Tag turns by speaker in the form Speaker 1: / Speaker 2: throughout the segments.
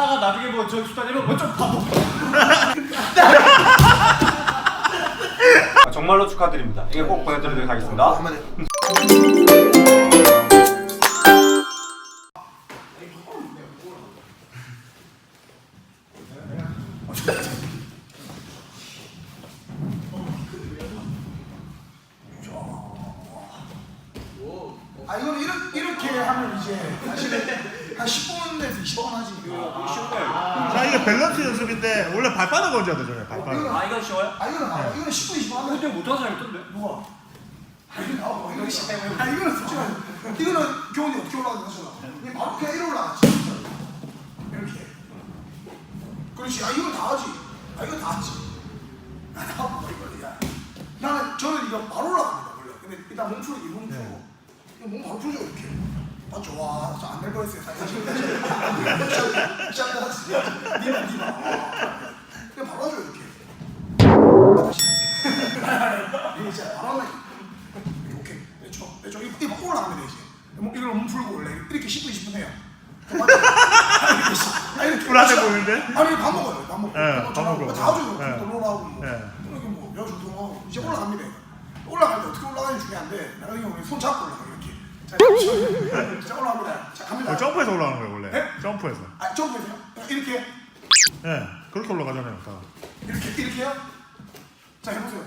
Speaker 1: 하다가 나중에 뭐 저 수다니면 뭐좀 바보. 정말로 축하드립니다. 이게 꼭 보내드리도록 하겠습니다.
Speaker 2: 아 이거는 이렇게 하면 이제 사실은 한 10분에서 20분 하지.
Speaker 1: 이거 쉬운 거예요.
Speaker 3: 자 이게 밸런스 연습인데 원래 발바닥 얹어야 되잖아요. 발바닥.
Speaker 1: 아 이건 쉬워요?
Speaker 2: 아 이거는 이거는 10분 20분 하면
Speaker 1: 근데 못하는 사람이 있던데?
Speaker 2: 누가? 아 이거는 쉽다. 아 이거는 솔직히 이거는 교훈이 어떻게 올라가는지 하잖아. 이게 바로 그냥 이렇게 올라가지. 이렇게. 그렇지. 아 이거 다 하지. 아 이거 다 하지. 저는 이거 바로 올라갑니다 원래. 근데 일단 몸풀기 몸풀고 몸 바로 풀죠 이렇게. 맞죠? 와, 저 안 될 뻔했어요. 사실. 니마. 그냥 바로 하죠 이렇게. 이게 진짜 바로 하면 오케이. 내쪽 이거 막 올라가면 되지. 이걸 몸 풀고 원래 이렇게 10분 20분 해요.
Speaker 3: 불안해 보이는데?
Speaker 2: 아니 밥 먹어요. 밥 먹고.
Speaker 3: 네, 밥 먹고.
Speaker 2: 자주
Speaker 3: 네.
Speaker 2: 놀러하고 뭐.
Speaker 3: 네.
Speaker 2: 이렇게 뭐 여주 동하고 이제 올라갑니다. 올라갈 때 어떻게 올라가는지 중요한데 나 같은 경우는 손 잡고 올라가 이렇게. 자 올라갑니다. 자 갑니다.
Speaker 3: 점프해서 올라가는 거예요 원래.
Speaker 2: 네?
Speaker 3: 점프해서.
Speaker 2: 아 점프해서요? 이렇게
Speaker 3: 예, 그렇게 올라가잖아요. 다.
Speaker 2: 이렇게요? 자 해보세요.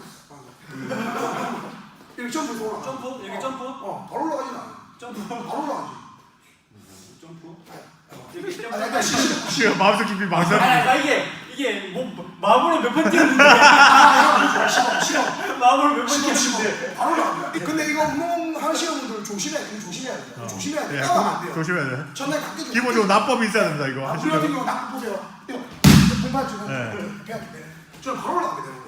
Speaker 2: 이렇게 점프해서 올라가.
Speaker 1: 점프? 이렇게 점프?
Speaker 2: 바로 올라가진 않아.
Speaker 1: 점프?
Speaker 2: 바로 올라가지.
Speaker 1: 점프?
Speaker 2: 약간
Speaker 3: 지금 마음속 깊이 망상.
Speaker 1: 나 이게 뭐 마음으로 몇 번 뛰었는데
Speaker 2: 싫어.
Speaker 1: 마음으로 몇 번 뛰었는데
Speaker 2: 바로 올라갑니다. 근데 이거 운동 하시는 분들 조심해야 돼. 조심해야 돼. 조심해야 돼.
Speaker 3: 예,
Speaker 2: 따라가면 안 돼요.
Speaker 3: 조심해야 돼.
Speaker 2: 전날 각기
Speaker 3: 기본적으로 납법이 있어야 된다 이거.
Speaker 2: 그런
Speaker 3: 하시면.
Speaker 2: 경우 나 보세요. 이거 공판 주는
Speaker 3: 네.
Speaker 2: 이렇게 해야 돼. 저는 바로 올라가게 되는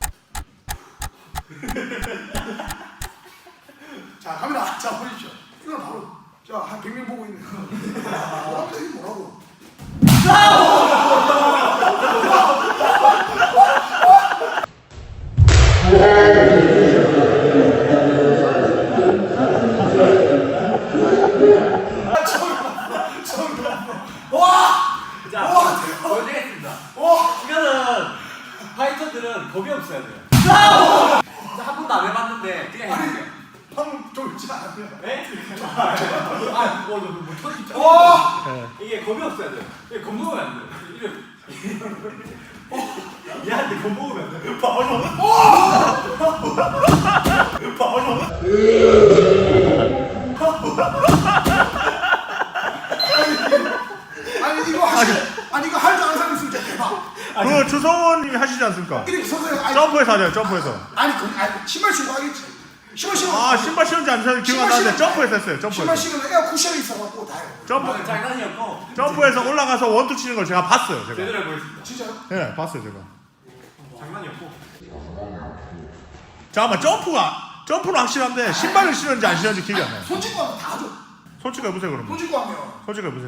Speaker 2: 거예요. 자 카메라 자 보십시오. 이걸 바로 자한 100명 보고 있는 거. 이게 뭐라고?
Speaker 1: 자, 보여드리겠습니다. 이거는 파이터들은 겁이 없어야 돼요. 한 번도 안 해봤는데 그냥 해볼게요.
Speaker 2: 방금 졸지 않았어요?
Speaker 1: 네? 뭐 터지
Speaker 2: 와!
Speaker 1: 이게 겁이 없어야 돼요. 이게 겁먹으면 안 돼요. 얘한테 겁먹으면 안 돼요. 바로
Speaker 2: 아니 이거 할 줄 아는 사람 있으면 진짜 대박.
Speaker 3: 그 주성원님이 하시지 않습니까?
Speaker 2: 이렇게 서서
Speaker 3: 점프해서 하잖아요. 점프해서.
Speaker 2: 아니 신발 신고 하겠지. 신발 신고.
Speaker 3: 아 신발 신은지 안 신은지 기억 안 나는데 점프해서 했어요.
Speaker 2: 신발
Speaker 3: 점프해서.
Speaker 2: 신으면 애가 쿠션이 있어갖고 다 해요.
Speaker 3: 점프.
Speaker 1: 장난이었고
Speaker 3: 점프해서 올라가서 원투 치는 걸 제가 봤어요. 제가.
Speaker 1: 제대로 해보겠습니다.
Speaker 2: 진짜요?
Speaker 3: 예, 봤어요 제가.
Speaker 1: 장난이었고
Speaker 3: 잠깐만 점프는 확실한데 신발을 신는지 안 신는지 기억이 안 나요.
Speaker 2: 손 찍고 하면 다 하죠.
Speaker 3: 솔직히 해보세요 그러면.
Speaker 2: 손 찍고 하면.
Speaker 3: 솔직히 해보세요.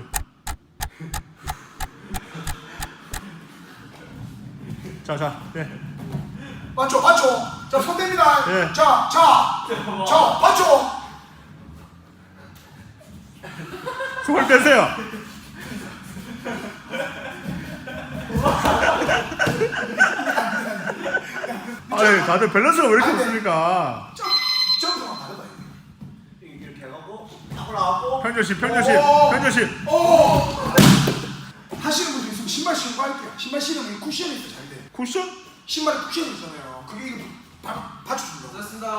Speaker 3: 자, 예.
Speaker 2: 맞죠? 자, 손 댑니다.
Speaker 3: 예.
Speaker 2: 자, 맞죠?
Speaker 3: 손을 떼세요. 아니, 다들 밸런스가 왜 이렇게 없습니까?
Speaker 2: 점프랑 다르다.
Speaker 1: 이렇게 해갖고 딱 올라가고
Speaker 3: 편조심.
Speaker 2: 하시는 분들 있으면 신발 신고 할게요. 신발 신으면 쿠션이 있어 잘 돼.
Speaker 3: 쿠션?
Speaker 2: 신발에 쿠션이 있잖아요. 그게 이거 받쳐준다고.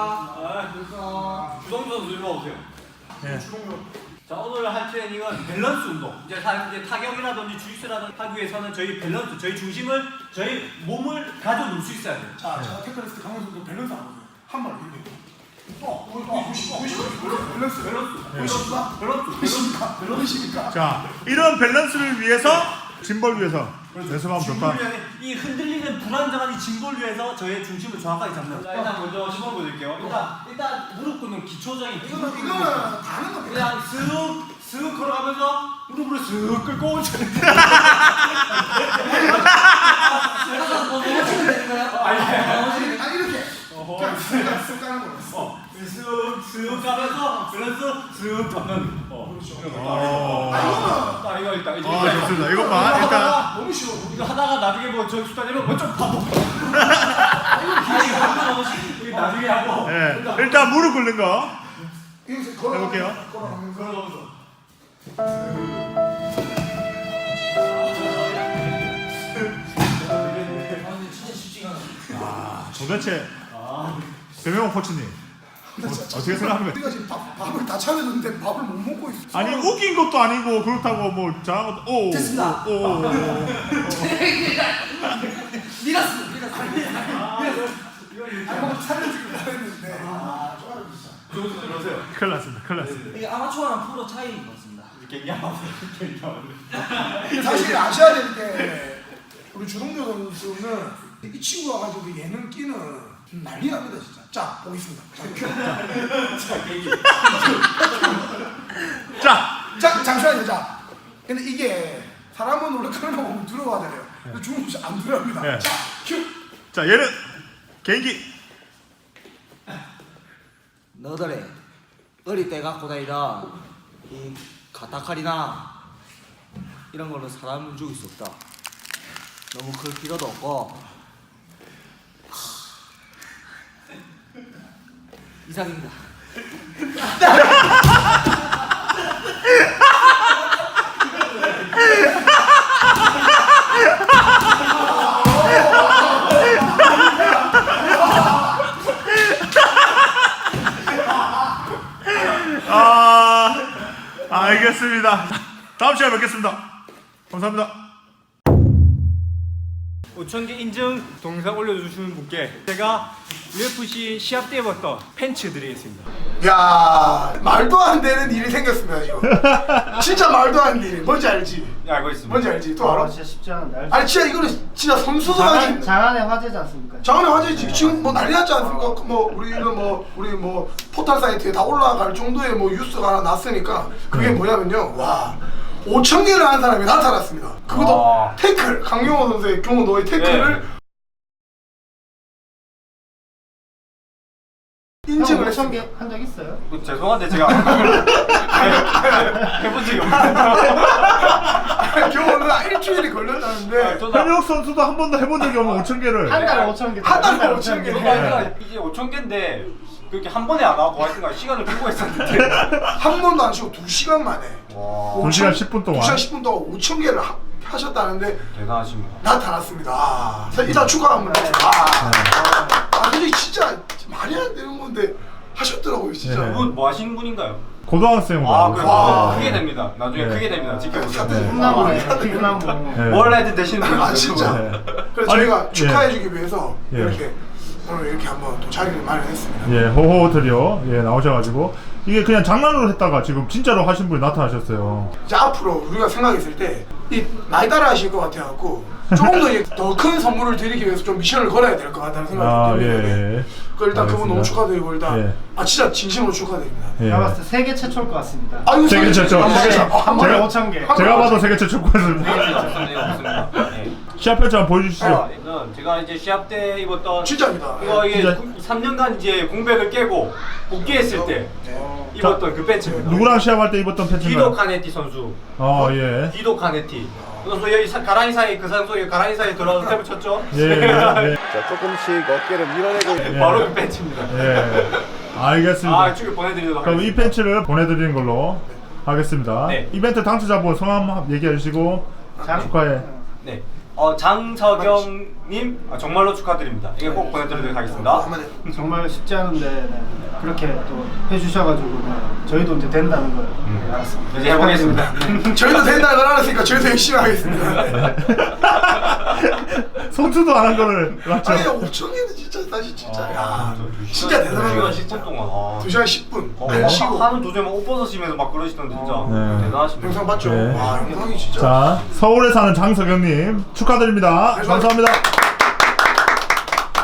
Speaker 1: 주성주 선수 일로 오세요.
Speaker 3: 예.
Speaker 1: 자 오늘 할 트레이닝은 밸런스 운동. 이제 타격이라든지 주짓수라든지 하기 위해서는 저희 밸런스, 저희 중심을, 저희 몸을 가져 놓을 수 있어야 돼요.
Speaker 2: 자, 제가 테크리스트 강원선도 밸런스 안 보세요. 한 번 이렇게. 밸런스. 밸런스입니까?
Speaker 3: 자, 이런 밸런스를 위해서 짐벌 위해서 연습하면 좋다.
Speaker 1: 이 흔들리는 불안정한 이 짐볼 위해서 저의 중심을 정확하게 잡는. 자 일단 먼저 시범 보여드릴게요. 일단 무릎 꿇는 기초적인
Speaker 2: 이거는 다른 겁니다.
Speaker 1: 그냥 쓱 걸어가면서 무릎을 쓱 끌고
Speaker 2: 아니 이렇게. 그냥 쓱 가는 거였어.
Speaker 1: 쓱 가면서 밸런스 쓱 잡는.
Speaker 2: 아 이거는
Speaker 1: 자 이거 일단 이제
Speaker 3: 아 좋습니다. 이것만 일단
Speaker 2: 너무 싫어.
Speaker 1: 이거 하다가 나중에 뭐 저기 수다 내면 뭐좀 바보. 이거 나중에 하고.
Speaker 3: 예 일단 무릎 꿇는 거
Speaker 2: 이거 걸어.
Speaker 3: 해볼게요.
Speaker 2: 걸어가면서.
Speaker 3: 도대체 배명호 코치님 어떻게 생각합니까?
Speaker 2: 우리가 지금 밥을 다 차려줬는데 밥을 못 먹고 있어.
Speaker 3: 아니 우긴 것도 아니고 그렇다고 뭐 잘한 것도 오
Speaker 2: 됐습니다.
Speaker 3: 오
Speaker 2: 밀었어. 아니 뭐 차려주기로 했는데. 아 좋아요 진짜.
Speaker 1: 들어오세요.
Speaker 3: 큰일 났습니다. 큰일 났습니다.
Speaker 4: 이게 아마추어랑 프로 차이인 것 같습니다.
Speaker 2: 사실 아셔야 될 게 우리 주동료 선수는 이 친구가 가지고 예능 끼는 난리 납니다 진짜. 자 보겠습니다. 자 잠시만요. 자 근데 이게 사람은 원래 그런 거 보면 두려워하잖아요. 근데 주동료 씨안 두려워합니다.
Speaker 3: 네.
Speaker 2: 자 큐.
Speaker 3: 자 얘는 개인기
Speaker 4: 너들의 어릴 때 갖고 다니던 이 가타칼이나 이런 걸로 사람을 죽일 수 없다. 너무 클 필요도 없고 이상입니다.
Speaker 3: 알겠습니다. 다음 시간에 뵙겠습니다. 감사합니다.
Speaker 1: 5,000개 인증 동영상 올려주시는 분께 제가 UFC 시합 때 입었던 팬츠 드리겠습니다.
Speaker 2: 야 말도 안 되는 일이 생겼습니다 이거. 진짜 말도 안 되는 일. 뭔지 알지?
Speaker 1: 네, 알고 있습니다.
Speaker 2: 뭔지 알지? 또 알아?
Speaker 5: 진짜 쉽지 않은데.
Speaker 2: 아니 진짜 이거는 진짜 선수도 아닌
Speaker 5: 장안의 화제지 않습니까?
Speaker 2: 장안의 화제지. 지금 뭐 난리 났지 않습니까? 뭐 우리 뭐 포털 사이트에 다 올라갈 정도의 뭐 뉴스가 하나 났으니까 그게 뭐냐면요. 와 5,000개를 한 사람이 나타났습니다. 그것도 태클 강용호 선수의 경우 너의 태클을 인증을 했습니다.
Speaker 5: 5,000개 한 적 있어요?
Speaker 1: 죄송한데 제가 해본 적이 없어요.
Speaker 2: 경호는 일주일이 걸렸다는데
Speaker 3: 현역 선수도 한 번도 해본 적이 없는 5,000개를
Speaker 5: 한 달에 5,000개.
Speaker 2: 한 달에 5,000개.
Speaker 1: 이제 5,000개인데 그렇게 한 번에 안 하고 하여튼간 시간을 두고 했었는데
Speaker 2: 한 번도 안 쉬고 2시간 만에
Speaker 3: 2시간 10분 동안
Speaker 2: 2시간 10분 동안 5,000개를 하셨다는데
Speaker 1: 대단하십니다.
Speaker 2: 나타났습니다. 아, 일단 축하 한번 해주세요. 근데 진짜 말이 안 되는 건데 하셨더라고요 진짜.
Speaker 3: 네.
Speaker 1: 분 뭐 하시는 분인가요?
Speaker 3: 고등학생으로
Speaker 1: 아,
Speaker 3: 알고
Speaker 1: 그래.
Speaker 3: 있습니다.
Speaker 1: 크게 됩니다. 나중에
Speaker 3: 네.
Speaker 1: 크게 됩니다. 지켜보세요.
Speaker 5: 훈남하네. 훈남부.
Speaker 3: 네.
Speaker 1: 뭘 해도 되시는 분이죠.
Speaker 2: 아 진짜.
Speaker 3: 네.
Speaker 2: 그래서
Speaker 3: 아니,
Speaker 2: 저희가
Speaker 3: 예.
Speaker 2: 축하해주기 위해서
Speaker 3: 예.
Speaker 2: 이렇게 오늘 이렇게 한번 또 자리를 마련했습니다.
Speaker 3: 예, 호호 트리오 예 나오셔가지고 이게 그냥 장난으로 했다가 지금 진짜로 하신 분이 나타나셨어요.
Speaker 2: 이제 앞으로 우리가 생각했을 때 이 많이 따라 하실 것 같아갖고 조금 더 큰 선물을 드리기 위해서 좀 미션을 걸어야 될 것 같다는 생각이 듭니다.
Speaker 3: 예.
Speaker 2: 그 일단 그분 너무
Speaker 3: 알겠습니다.
Speaker 2: 축하드리고 일단
Speaker 3: 예.
Speaker 2: 진짜 진심으로 축하드립니다.
Speaker 3: 예.
Speaker 5: 제가 봤을 때 세계 최초일 것 같습니다.
Speaker 2: 아이고
Speaker 3: 세계 최초.
Speaker 5: 한 번에
Speaker 3: 제가-
Speaker 5: 5,000개.
Speaker 3: 제가 봐도 세계 최초 코였습니다.
Speaker 1: 좋습니다.
Speaker 3: 시합 펼치 한번 보여주시죠.
Speaker 1: 이건 제가 이제 시합 때 입었던
Speaker 2: 진짜입니다.
Speaker 1: 이게
Speaker 3: 진짜?
Speaker 1: 3년간 이제 공백을 깨고 복귀했을 때 입었던 그 팬츠입니다.
Speaker 3: 누구랑 시합할 때 입었던
Speaker 1: 디도
Speaker 3: 팬츠인가요?
Speaker 1: 카네티 선수.
Speaker 3: 예.
Speaker 1: 디도 카네티. 그 선수 여기 가라니 사이 그 선수 여기 가라니 사이 들어와서 탭을 쳤죠.
Speaker 3: 예.
Speaker 6: 자, 조금씩 어깨를 밀어내고
Speaker 1: 바로 그 팬츠입니다.
Speaker 3: 예. 알겠습니다.
Speaker 1: 아, 축을 보내드리도록
Speaker 3: 그럼 이
Speaker 1: 하겠습니다.
Speaker 3: 팬츠를 보내드리는 걸로 하겠습니다.
Speaker 1: 네.
Speaker 3: 이벤트 당첨자분 성함 얘기해 주시고 축하해.
Speaker 1: 네. 장서경님 정말로 축하드립니다. 이거 꼭 보내드리도록 하겠습니다.
Speaker 2: 한마디.
Speaker 5: 정말 쉽지 않은데 네. 그렇게 또 해주셔가지고 네. 저희도 이제 된다는 걸 네, 알았습니다.
Speaker 1: 이제 해보겠습니다.
Speaker 2: 저희도 된다는 걸 알았으니까 저희도 열심히 하겠습니다.
Speaker 3: 손수도 안 한 거를 맞죠?
Speaker 2: 아니 5,000개는 진짜 사실 진짜 야 진짜 대단한
Speaker 1: 2시간
Speaker 2: 거
Speaker 1: 10분 동안.
Speaker 2: 2시간 10분 쉬고
Speaker 1: 하는 도중에 막 옷 벗으시면서 막 그러시던 진짜
Speaker 3: 네.
Speaker 1: 대단하십니다.
Speaker 2: 영상 봤죠?
Speaker 3: 네.
Speaker 2: 와 영상이 진짜
Speaker 3: 자, 서울에 사는 장석영님 축하드립니다. 감사합니다.